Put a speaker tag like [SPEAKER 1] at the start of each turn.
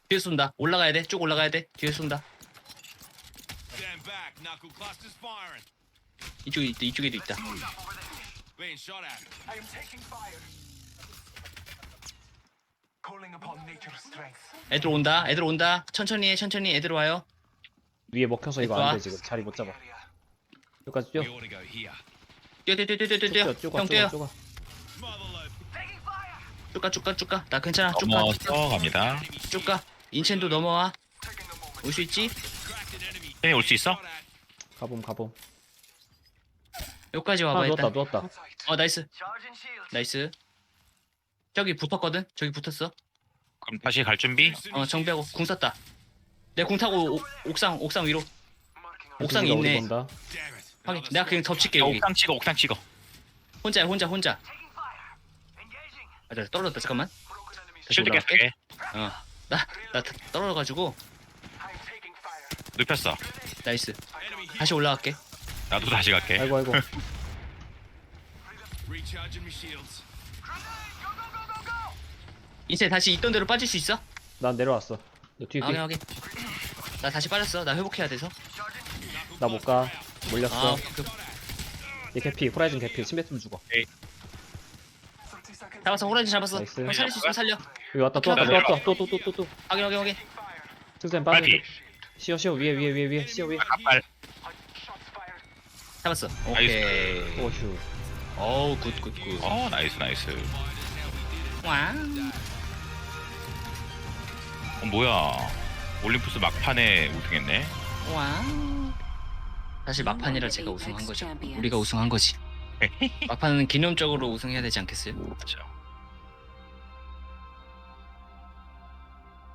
[SPEAKER 1] 뒤에 쏜다. 올라가야 돼. 쭉 올라가야 돼. 뒤에 쏜다.
[SPEAKER 2] Stand back. Knuckle clusters firing.
[SPEAKER 1] 이쪽에 있다. 이쪽에도 있다.
[SPEAKER 2] Being shot at.
[SPEAKER 3] I am taking fire. Calling upon nature's strength.
[SPEAKER 1] 애들 온다. 애들 온다. 천천히 해. 천천히 애들 와요.
[SPEAKER 4] 위에 먹혀서 이거
[SPEAKER 1] 좋아.
[SPEAKER 4] 안 돼 지금 자리 못 잡아. 여기까지 뛰어.
[SPEAKER 2] We ought to go here.
[SPEAKER 1] 뛰어 뛰어 뛰어 뛰어 뛰어.
[SPEAKER 4] 뛰어
[SPEAKER 1] 뛰어.
[SPEAKER 4] 쪼가
[SPEAKER 1] 형 뛰어.
[SPEAKER 4] 쪼가.
[SPEAKER 2] Smother load.
[SPEAKER 3] Taking fire.
[SPEAKER 1] 쭉 가 쭉 가 쭉 가. 나 괜찮아. 쭉 가.
[SPEAKER 5] 넘어서 갑니다.
[SPEAKER 1] 쭉 가. 인첸도 넘어와.
[SPEAKER 3] Taking a moment.
[SPEAKER 1] 올 수 있지?
[SPEAKER 2] Cracked an enemy.
[SPEAKER 5] 혜미 올 수 있어?
[SPEAKER 2] Shot at.
[SPEAKER 4] 가봄.
[SPEAKER 1] 여기까지
[SPEAKER 4] 아
[SPEAKER 1] 와봐
[SPEAKER 4] 누웠다
[SPEAKER 1] 일단.
[SPEAKER 4] 누웠다.
[SPEAKER 1] 나이스.
[SPEAKER 3] Charging shields.
[SPEAKER 1] 나이스. 저기 붙었거든. 저기 붙었어.
[SPEAKER 5] 그럼 다시 갈 준비?
[SPEAKER 1] 정비하고 궁 썼다. 내 궁 타고 옥상 위로.
[SPEAKER 3] Marking our
[SPEAKER 1] 옥상에
[SPEAKER 4] 우리가 어디
[SPEAKER 1] 있네.
[SPEAKER 4] 본다.
[SPEAKER 2] Damn it.
[SPEAKER 1] 확인. 내가 그냥 덮칠게 여기.
[SPEAKER 5] 옥상 찍어 옥상 찍어.
[SPEAKER 1] 혼자야 혼자.
[SPEAKER 3] taking fire. Engaging.
[SPEAKER 1] 아, 나 떨어졌다 잠깐만.
[SPEAKER 3] Broken enemy.
[SPEAKER 1] 다시
[SPEAKER 5] 쉴드
[SPEAKER 1] 올라갈게.
[SPEAKER 5] 계속해.
[SPEAKER 1] 나 떨어져가지고
[SPEAKER 3] I'm taking fire.
[SPEAKER 5] 눕혔어.
[SPEAKER 1] 나이스.
[SPEAKER 2] Enemy here.
[SPEAKER 1] 다시 올라갈게.
[SPEAKER 5] 나도 다시 갈게.
[SPEAKER 4] 아이고
[SPEAKER 2] Recharging my shields.
[SPEAKER 3] Grenade. Go go go go go.
[SPEAKER 1] 인체 다시 있던 대로 빠질 수 있어?
[SPEAKER 4] 난 내려왔어. 너 뒤에
[SPEAKER 1] 확인
[SPEAKER 4] 뛰어.
[SPEAKER 1] 확인. 나 다시 빠졌어. 나 회복해야 돼서.
[SPEAKER 4] 나 못 가. 몰렸어.
[SPEAKER 1] 오케이.
[SPEAKER 4] 얘 개피 호라이즌 개피 침뱉 좀 죽어.
[SPEAKER 3] 30 seconds.
[SPEAKER 1] 잡았어. 호라이즌 잡았어.
[SPEAKER 4] 나이스.
[SPEAKER 1] 형 살릴 수 있으면 살려.
[SPEAKER 4] 여기 왔다 또 왔다 또.
[SPEAKER 1] 확인.
[SPEAKER 4] 승쌤 빠져.
[SPEAKER 1] 네.
[SPEAKER 4] 쉬어 위에 쉬어 위에.
[SPEAKER 5] 갑발.
[SPEAKER 3] Shots fired.
[SPEAKER 1] 잡았어. 오케이.
[SPEAKER 4] 오휴.
[SPEAKER 1] 어우 굿.
[SPEAKER 5] 나이스.
[SPEAKER 1] 와.
[SPEAKER 5] 뭐야? 올림푸스 막판에 우승했네.
[SPEAKER 1] 와. 사실 막판이라 제가 우승한 거죠. 우리가 우승한 거지. 막판은 기념적으로 우승해야 되지 않겠어요?
[SPEAKER 5] 그렇죠.